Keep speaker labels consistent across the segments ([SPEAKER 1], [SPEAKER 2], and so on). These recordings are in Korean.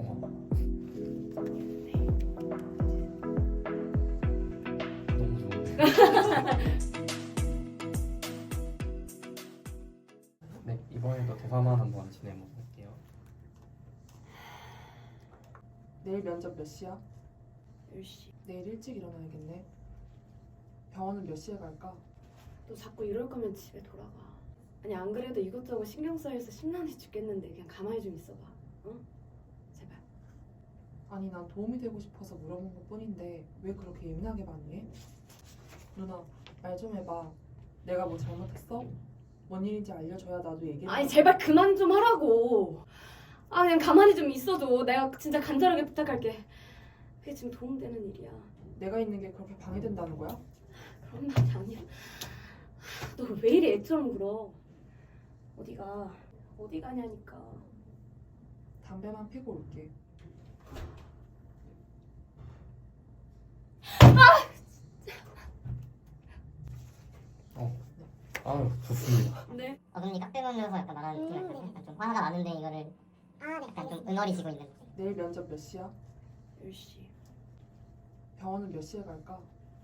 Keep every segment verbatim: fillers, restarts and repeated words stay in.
[SPEAKER 1] 어. 너무 좋은데. 네, 이번에도 대화만 한번 진행해볼게요.
[SPEAKER 2] 내일 면접 몇 시야?
[SPEAKER 3] 열 시.
[SPEAKER 2] 내일 일찍 일어나야겠네. 병원은 몇 시에 갈까?
[SPEAKER 3] 너 자꾸 이럴 거면 집에 돌아가. 아니 안 그래도 이것저것 신경 쌓여서 심란해 죽겠는데 그냥 가만히 좀 있어봐. 응? 제발.
[SPEAKER 2] 아니 난 도움이 되고 싶어서 물어본 것 뿐인데 왜 그렇게 예민하게 반응해? 누나 말 좀 해봐. 내가 뭐 잘못했어? 뭔 일인지 알려줘야 나도 얘기해.
[SPEAKER 3] 아니 제발 그만 좀 하라고. 아 그냥 가만히 좀 있어줘. 내가 진짜 간절하게 부탁할게. 그게 지금 도움되는 일이야.
[SPEAKER 2] 내가 있는 게 그렇게 방해된다는 거야?
[SPEAKER 3] 그런 말이 아니야. 너 왜 이리 애처럼 굴어? 어디가? 어디 가냐니까.
[SPEAKER 2] 담배만 피고 올게.
[SPEAKER 1] 어. 아유, 좋습니다.
[SPEAKER 3] 네?
[SPEAKER 4] 어, 그럼 이 깍대 보면서 약간 말하는 느낌 같아요. 약간 좀 화가 많은데 이거를 약간 좀 응어리지고 있는 느낌.
[SPEAKER 2] 내일 면접 몇 시야?
[SPEAKER 3] 열 시.
[SPEAKER 2] 병원은 몇 시에 갈까?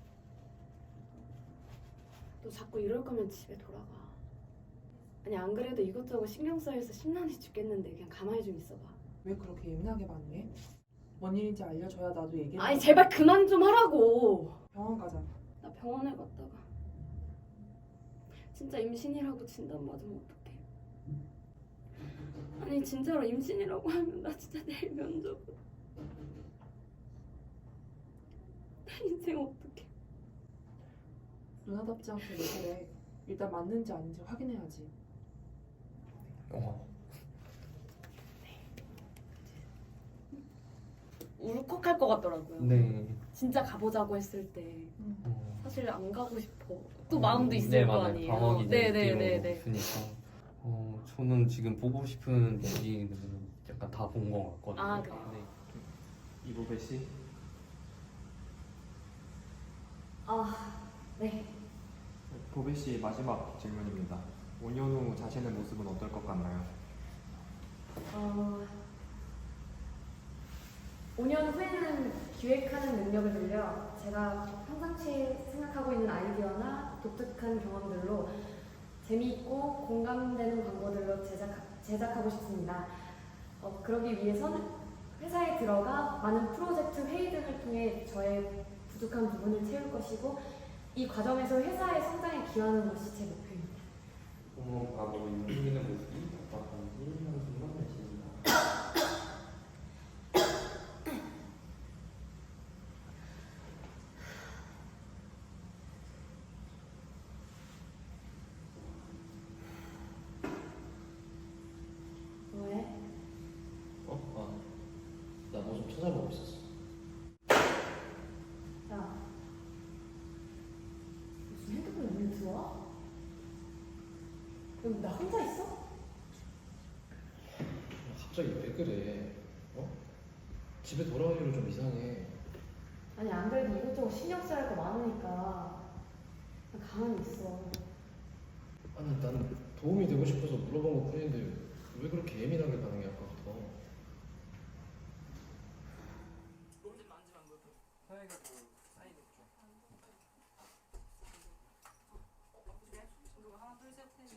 [SPEAKER 3] 너 자꾸 이럴 거면 집에 돌아가. 아니 안 그래도 이것저것 신경 쌓여서 심란해 죽겠는데 그냥 가만히 좀 있어봐.
[SPEAKER 2] 왜 그렇게 예민하게 반응해? 뭔 일인지 알려줘야 나도 얘기해.
[SPEAKER 3] 아니 제발 그만 좀 하라고.
[SPEAKER 2] 병원 가자.
[SPEAKER 3] 나 병원에 갔다가 진짜 임신이라고 진단 맞으면 어떡해. 아니 진짜로 임신이라고 하면 나 진짜 내일 면접은 나 인생 어떡해.
[SPEAKER 2] 누나답지 않게 왜 그래? 일단 맞는지 아닌지 확인해야지.
[SPEAKER 1] 어.
[SPEAKER 3] 울컥할 것 같더라고요.
[SPEAKER 1] 네.
[SPEAKER 3] 진짜 가보자고 했을 때
[SPEAKER 1] 어.
[SPEAKER 3] 사실 안 가고 싶어. 또 마음도 있을
[SPEAKER 1] 네,
[SPEAKER 3] 거
[SPEAKER 1] 맞아요.
[SPEAKER 3] 아니에요.
[SPEAKER 1] 방어기 네,
[SPEAKER 3] 네네네네.
[SPEAKER 1] 느낌으로 있으니까. 어, 저는 지금 보고 싶은 얘기는 약간 다 본 것 같거든요.
[SPEAKER 3] 아, 그래요?
[SPEAKER 1] 네.
[SPEAKER 5] 이보배 씨,
[SPEAKER 3] 아, 네.
[SPEAKER 5] 보배 씨 마지막 질문입니다. 오 년 후 자신의 모습은 어떨 것 같나요?
[SPEAKER 3] 어, 오 년 후에는 기획하는 능력을 늘려 제가 평상시에 생각하고 있는 아이디어나 독특한 경험들로 재미있고 공감되는 광고들로 제작, 제작하고 싶습니다. 어, 그러기 위해선 회사에 들어가 많은 프로젝트 회의 등을 통해 저의 부족한 부분을 채울 것이고 이 과정에서 회사의 성장에 기여하는 것이 제 목표입니다.
[SPEAKER 1] 어머, 바로 움직이는 모습이 어떡한지 한숨만 내쉽니다.
[SPEAKER 3] 왜?
[SPEAKER 6] 어? 아, 나 뭐 좀 찾아보고 있었어.
[SPEAKER 3] 야, 무슨 핸드폰에 눈이 들어와? 여기 나 혼자 있어?
[SPEAKER 6] 갑자기 왜 그래? 어? 집에 돌아올 일은 좀 이상해.
[SPEAKER 3] 아니 안 그래도 이것저것 신경 써야 할 거 많으니까 그냥 가만히 있어.
[SPEAKER 6] 아니 나는 도움이 되고 싶어서 물어본 것 뿐인데 왜 그렇게 예민하게 반응해 아까부터?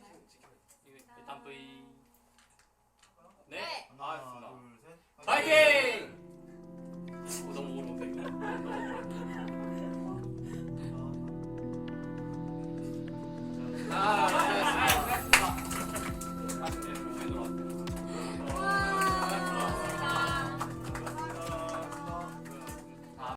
[SPEAKER 7] 일단 V 네, 알겠습니다. 파이팅!